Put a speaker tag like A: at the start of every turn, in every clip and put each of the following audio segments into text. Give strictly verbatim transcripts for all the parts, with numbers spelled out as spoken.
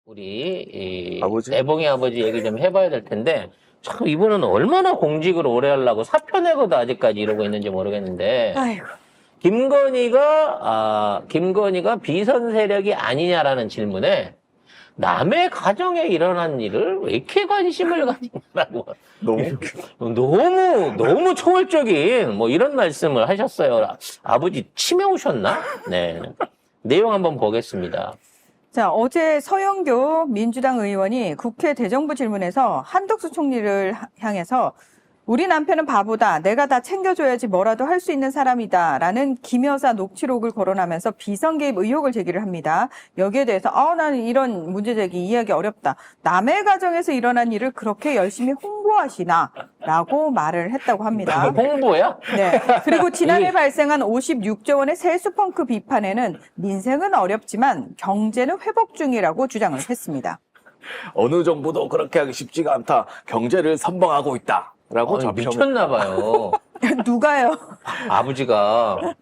A: 우리 이
B: 아버지?
A: 애봉이 아버지 얘기 좀 해봐야 될 텐데 참 이분은 얼마나 공직을 오래 하려고 사표 내고도 아직까지 이러고 있는지 모르겠는데
C: 아이고.
A: 김건희가 아 김건희가 비선 세력이 아니냐라는 질문에 남의 가정에 일어난 일을 왜 이렇게 관심을 가지냐고
B: 너무 웃겨.
A: 너무 너무 초월적인 뭐 이런 말씀을 하셨어요. 아, 아버지 치매 오셨나? 네. 내용 한번 보겠습니다.
C: 자, 어제 서영교 민주당 의원이 국회 대정부 질문에서 한덕수 총리를 하- 향해서 우리 남편은 바보다. 내가 다 챙겨줘야지 뭐라도 할 수 있는 사람이다. 라는 김 여사 녹취록을 거론하면서 비선 개입 의혹을 제기를 합니다. 여기에 대해서 아, 나는 이런 문제 제기 이해하기 어렵다. 남의 가정에서 일어난 일을 그렇게 열심히 홍보하시나? 라고 말을 했다고 합니다.
A: 홍보야?
C: 네. 그리고 지난해
A: 이게-
C: 발생한 오십육조 원의 세수 펑크 비판에는 민생은 어렵지만 경제는 회복 중이라고 주장을 했습니다.
B: 어느 정부도 그렇게 하기 쉽지가 않다. 경제를 선방하고 있다. 라고
A: 아니,
B: 자평을-
A: 미쳤나 봐요.
C: 누가요?
A: 아버지가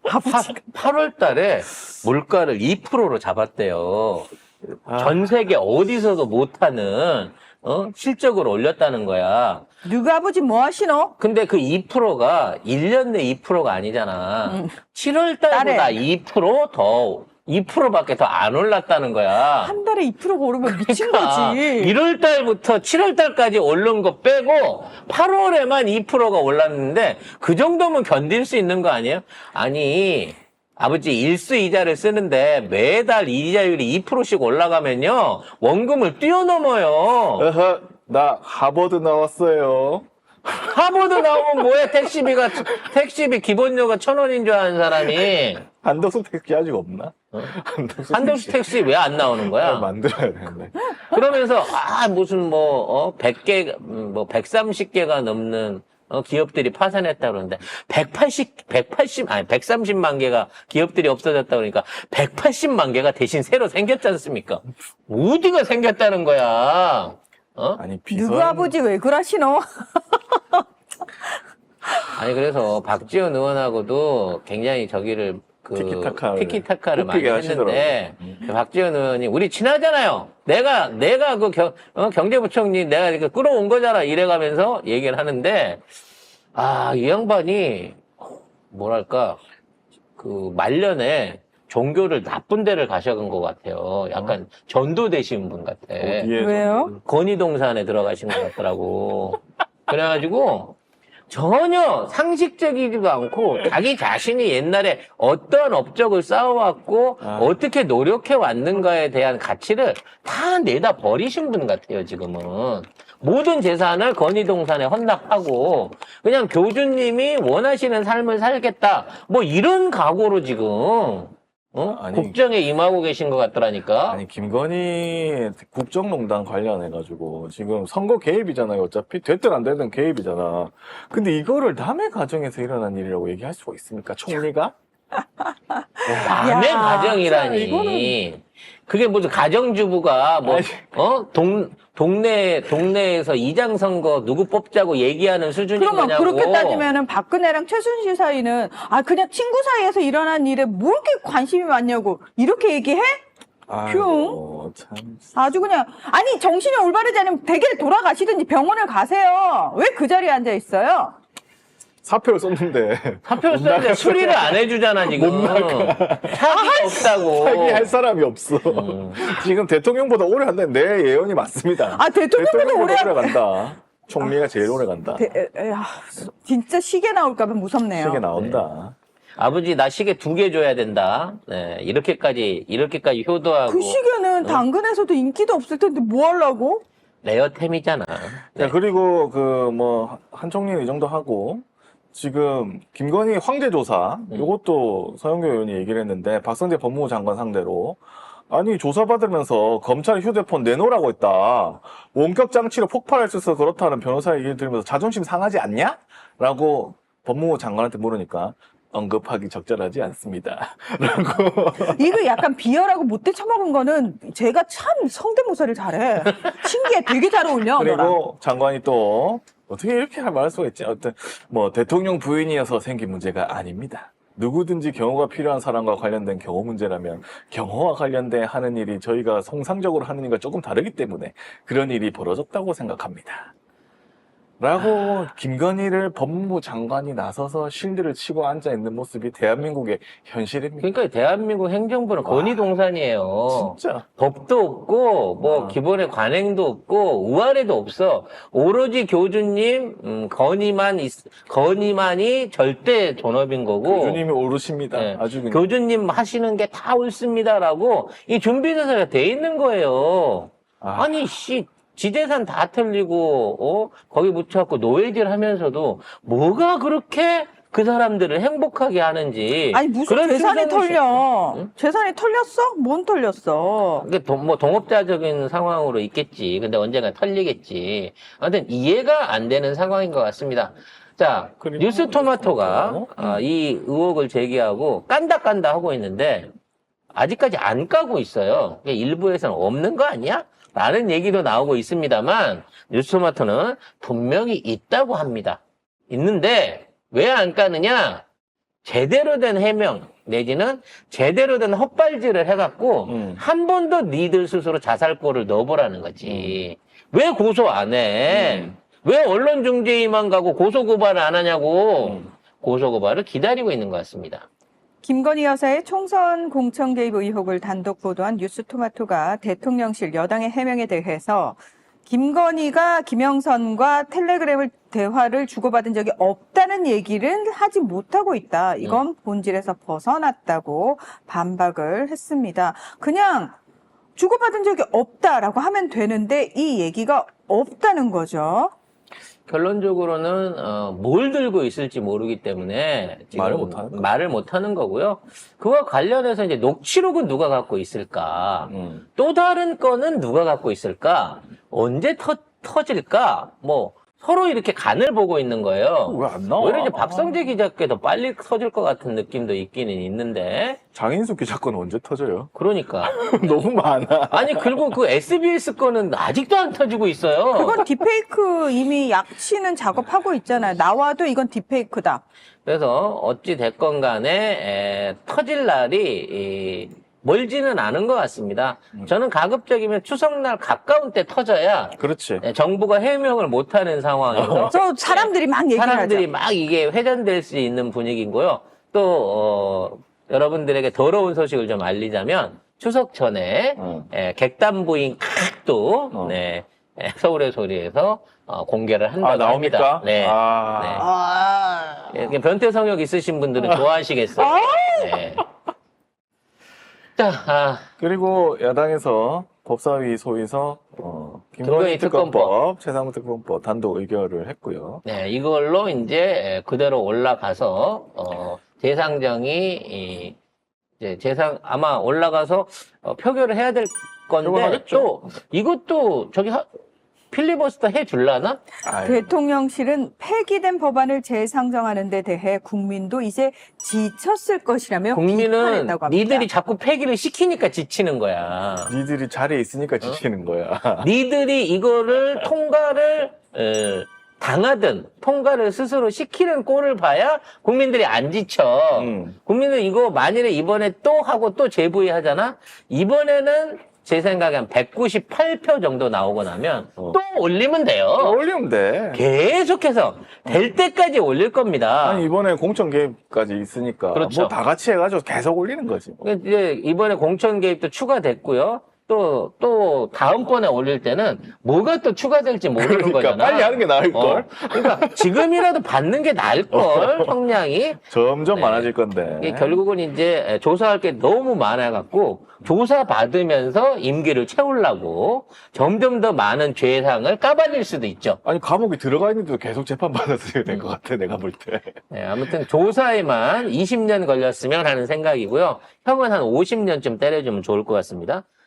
A: 팔월 달에 물가를 이 퍼센트로 잡았대요.
B: 아.
A: 전 세계 어디서도 못하는 어? 실적을 올렸다는 거야.
C: 누가 아버지 뭐 하시노?
A: 근데 그 이 퍼센트가 일 년 내 이 퍼센트가 아니잖아.
C: 음.
A: 칠월 달보다
C: 딸에.
A: 이 퍼센트 더, 이 퍼센트밖에 더 안 올랐다는 거야.
C: 한 달에 이 퍼센트 오르면 미친
A: 그러니까
C: 거지.
A: 일월 달부터 칠월 달까지 오른 거 빼고 팔월에만 이 퍼센트가 올랐는데 그 정도면 견딜 수 있는 거 아니에요? 아니 아버지 일수 이자를 쓰는데 매달 이자율이 이 퍼센트씩 올라가면요 원금을 뛰어넘어요.
B: 어허, 나 하버드 나왔어요.
A: 하버드 나오면 뭐해? 택시비가 택시비 기본료가 천 원인 줄 아는 사람이
B: 한덕수 택시 아직 없나?
A: 어?
B: 한덕수,
A: 한덕수 택시 왜 안 나오는 거야?
B: 만들어야 되는데.
A: 그러면서 아 무슨 뭐 어, 백 개, 음, 뭐 백삼십 개가 넘는 어, 기업들이 파산했다 그러는데 백팔십, 백팔십 아니 백삼십만 개가 기업들이 없어졌다 그러니까 백팔십만 개가 대신 새로 생겼지 않습니까? 어디가 생겼다는 거야? 어?
B: 아니, 비선.
C: 누구 아버지 왜 그러시노?
A: 아니 그래서 박지원 의원하고도 굉장히 저기를 그
B: 티키타카를
A: 티키타카를 많이
B: 꼽히게
A: 했는데
B: 하시더라고요.
A: 박지원 의원이 우리 친하잖아요. 내가 내가 그 경, 어, 경제부총리 내가 이렇게 끌어온 거잖아. 이래가면서 얘기를 하는데 아 이 양반이 뭐랄까 그 말년에 종교를 나쁜 데를 가셔간 것 같아요. 약간 전도 되신 분 같아.
B: 어디에
C: 왜요?
A: 건의동산에 들어가신 것 같더라고. 그래가지고 전혀 상식적이지도 않고 자기 자신이 옛날에 어떠한 업적을 쌓아왔고
B: 아.
A: 어떻게 노력해 왔는가에 대한 가치를 다 내다 버리신 분 같아요, 지금은. 모든 재산을 건의동산에 헌납하고 그냥 교주님이 원하시는 삶을 살겠다. 뭐 이런 각오로 지금 어?
B: 아니.
A: 국정에 임하고 계신 것 같더라니까.
B: 아니, 김건희 국정농단 관련해가지고 지금 선거 개입이잖아요. 어차피 됐든 안 되든 개입이잖아. 근데 이거를 남의 가정에서 일어난 일이라고 얘기할 수가 있습니까? 총리가?
A: 남의
C: 야,
A: 가정이라니.
C: 진짜 이거는-
A: 그게 무슨 가정주부가 뭐,
B: 아니.
A: 어? 동, 동네, 동네에서 이장 선거 누구 뽑자고 얘기하는 수준인
C: 그러면
A: 거냐고.
C: 그렇게 따지면은 박근혜랑 최순실 사이는 아 그냥 친구 사이에서 일어난 일에 뭐 이렇게 관심이 많냐고 이렇게 얘기해?
B: 아이고, 참.
C: 아주 그냥 아니 정신이 올바르지 않으면 댁에 돌아가시든지 병원을 가세요. 왜 그 자리에 앉아 있어요?
B: 사표를 썼는데.
A: 사표를 썼는데 수리를 안 해주잖아, 지금. 사기가 없다고.
B: 사기할 사람이 없어.
A: 음.
B: 지금 대통령보다 오래 한다는 내 예언이 맞습니다.
C: 아 대통령보다 오래 한-
B: 간다. 총리가 제일 오래 간다.
C: 대- 에, 에, 아, 진짜 시계 나올까봐 무섭네요.
B: 시계 나온다.
A: 아버지, 나 시계 두 개 줘야 된다. 네, 이렇게까지, 이렇게까지 효도하고.
C: 그 시계는 당근에서도 인기도 없을 텐데 뭐 하려고?
A: 레어템이잖아. 네.
B: 자, 그리고 그 뭐 한 총리는 이 정도 하고 지금 김건희 황제 조사
A: 음.
B: 이것도 서영교 의원이 얘기를 했는데 박성재 법무부 장관 상대로 아니 조사받으면서 검찰 휴대폰 내놓으라고 했다. 원격 장치로 폭발할 수 있어서 그렇다는 변호사 얘기를 들으면서 자존심 상하지 않냐? 라고 법무부 장관한테 물으니까 언급하기 적절하지 않습니다. 라고.
C: 이거 약간 비열하고 못돼 처먹은 거는 제가 참 성대모사를 잘해. 신기해. 되게 잘 어울려. 너랑.
B: 그리고 장관이 또 어떻게 이렇게 말할 수가 있지? 어떤 뭐 대통령 부인이어서 생긴 문제가 아닙니다. 누구든지 경호가 필요한 사람과 관련된 경호 문제라면 경호와 관련된 하는 일이 저희가 통상적으로 하는 일과 조금 다르기 때문에 그런 일이 벌어졌다고 생각합니다. 라고 김건희를 법무부 장관이 나서서 실드를 치고 앉아있는 모습이 대한민국의 현실입니다.
A: 그러니까 대한민국 행정부는
B: 와,
A: 권위동산이에요.
B: 진짜.
A: 법도 없고 뭐
B: 아.
A: 기본의 관행도 없고 우아래도 없어. 오로지 교주님 음, 건의만 있, 건의만이 절대 존업인 거고.
B: 교주님이 오르십니다.
A: 네.
B: 아주 그냥.
A: 교주님 하시는 게 다 옳습니다라고 이 준비대사가 돼 있는 거예요.
B: 아.
A: 아니 씨. 지재산 다 털리고 어 거기 묻혀갖고 노예질 하면서도 뭐가 그렇게 그 사람들을 행복하게 하는지.
C: 아니 무슨
A: 그런
C: 재산이
A: 충성을 시-
C: 털려?
A: 응?
C: 재산이 털렸어? 뭔 털렸어?
A: 그게 동, 뭐 동업자적인 상황으로 있겠지. 근데 언젠가 털리겠지. 아무튼 이해가 안 되는 상황인 것 같습니다. 자,
B: 그리고
A: 뉴스 토마토가
B: 토마토.
A: 아, 이 의혹을 제기하고 깐다 깐다 하고 있는데 아직까지 안 까고 있어요. 이게 일부에서는 없는 거 아니야? 라는 얘기도 나오고 있습니다만 뉴스 토마토는 분명히 있다고 합니다. 있는데 왜 안 까느냐? 제대로 된 해명 내지는 제대로 된 헛발질을 해갖고
B: 음.
A: 한 번 더 니들 스스로 자살골을 넣어보라는 거지. 왜 고소 안 해?
B: 음.
A: 왜 언론중재위만 가고 고소고발을 안 하냐고.
B: 음.
A: 고소고발을 기다리고 있는 것 같습니다.
C: 김건희 여사의 총선 공천 개입 의혹을 단독 보도한 뉴스토마토가 대통령실 여당의 해명에 대해서 김건희가 김영선과 텔레그램을 대화를 주고받은 적이 없다는 얘기를 하지 못하고 있다. 이건 본질에서 벗어났다고 반박을 했습니다. 그냥 주고받은 적이 없다라고 하면 되는데 이 얘기가 없다는 거죠.
A: 결론적으로는 어, 뭘 들고 있을지 모르기 때문에 지금
B: 말을 못하는 거죠.
A: 말을 못하는 거고요. 그와 관련해서 이제 녹취록은 누가 갖고 있을까?
B: 음.
A: 또 다른 건은 누가 갖고 있을까? 언제 터, 터질까? 뭐 서로 이렇게 간을 보고 있는 거예요.
B: 왜 안 나와?
A: 오히려 이제 박성재 기자께 더 빨리 터질 것 같은 느낌도 있기는 있는데.
B: 장인수 기자 건 언제 터져요?
A: 그러니까.
B: 너무 많아.
A: 아니 그리고 그 에스비에스 거는 아직도 안 터지고 있어요.
C: 그건 딥페이크 이미 약치는 작업하고 있잖아요. 나와도 이건 딥페이크다.
A: 그래서 어찌 됐건 간에 에, 터질 날이 이, 멀지는 않은 것 같습니다. 저는 가급적이면 추석날 가까운 때 터져야
B: 그렇지.
A: 에, 정부가 해명을 못하는 상황에서
C: 저 사람들이 막 얘기를
A: 사람들이
C: 하죠.
A: 막 이게 회전될 수 있는 분위기고요. 또 어, 여러분들에게 더러운 소식을 좀 알리자면 추석 전에
B: 어.
A: 에, 객단부인 칵도
B: 어.
A: 네, 에, 서울의 소리에서 어, 공개를 한다고
B: 아, 나옵니까?
A: 합니다. 네.
B: 아.
A: 네.
C: 아.
A: 예, 이렇게 변태 성욕 있으신 분들은 좋아하시겠어요. 네. 자, 아,
B: 그리고 야당에서 법사위 소위에서 어,
A: 김건희
B: 김건희 특검법, 최상무 특검법 단독 의결을 했고요.
A: 네, 이걸로 이제 그대로 올라가서 어, 재상정이 이, 이제 재상 아마 올라가서 어, 표결을 해야 될 건데
B: 표결하겠죠.
A: 또 이것도 저기 하, 필리버스터 해 줄라나?
B: 아이,
C: 대통령실은 폐기된 법안을 재상정하는 데 대해 국민도 이제 지쳤을 것이라며
A: 국민은
C: 비판했다고 합니다.
A: 니들이 자꾸 폐기를 시키니까 지치는 거야.
B: 니들이 자리에 있으니까 지치는 거야.
A: 니들이 이거를 통과를 에, 당하든 통과를 스스로 시키는 꼴을 봐야 국민들이 안 지쳐.
B: 음.
A: 국민은 이거 만일에 이번에 또 하고 또 재부의 하잖아? 이번에는 제 생각에 한 백구십팔 표 정도 나오고 나면
B: 어.
A: 또 올리면 돼요.
B: 올리면 돼.
A: 계속해서 될 때까지 올릴 겁니다.
B: 아니 이번에 공천 개입까지 있으니까
A: 그렇죠.
B: 뭐 다 같이 해가지고 계속 올리는 거지. 뭐.
A: 그러니까 이제 이번에 공천 개입도 추가됐고요. 또, 또, 다음번에 올릴 때는 뭐가 또 추가될지 모르는
B: 그러니까
A: 거잖아.
B: 빨리 하는 게 나을
A: 어.
B: 걸.
A: 그러니까 지금이라도 받는 게 나을걸, 형량이.
B: 점점
A: 네.
B: 많아질 건데.
A: 이게 결국은 이제 조사할 게 너무 많아갖고 조사 받으면서 임기를 채우려고 점점 더 많은 죄상을 까발릴 수도 있죠.
B: 아니 감옥에 들어가 있는데도 계속 재판 받았어야 될 것 같아 내가 볼 때.
A: 네, 아무튼 조사에만 이십 년 걸렸으면 하는 생각이고요. 형은 한 오십 년쯤 때려주면 좋을 것 같습니다.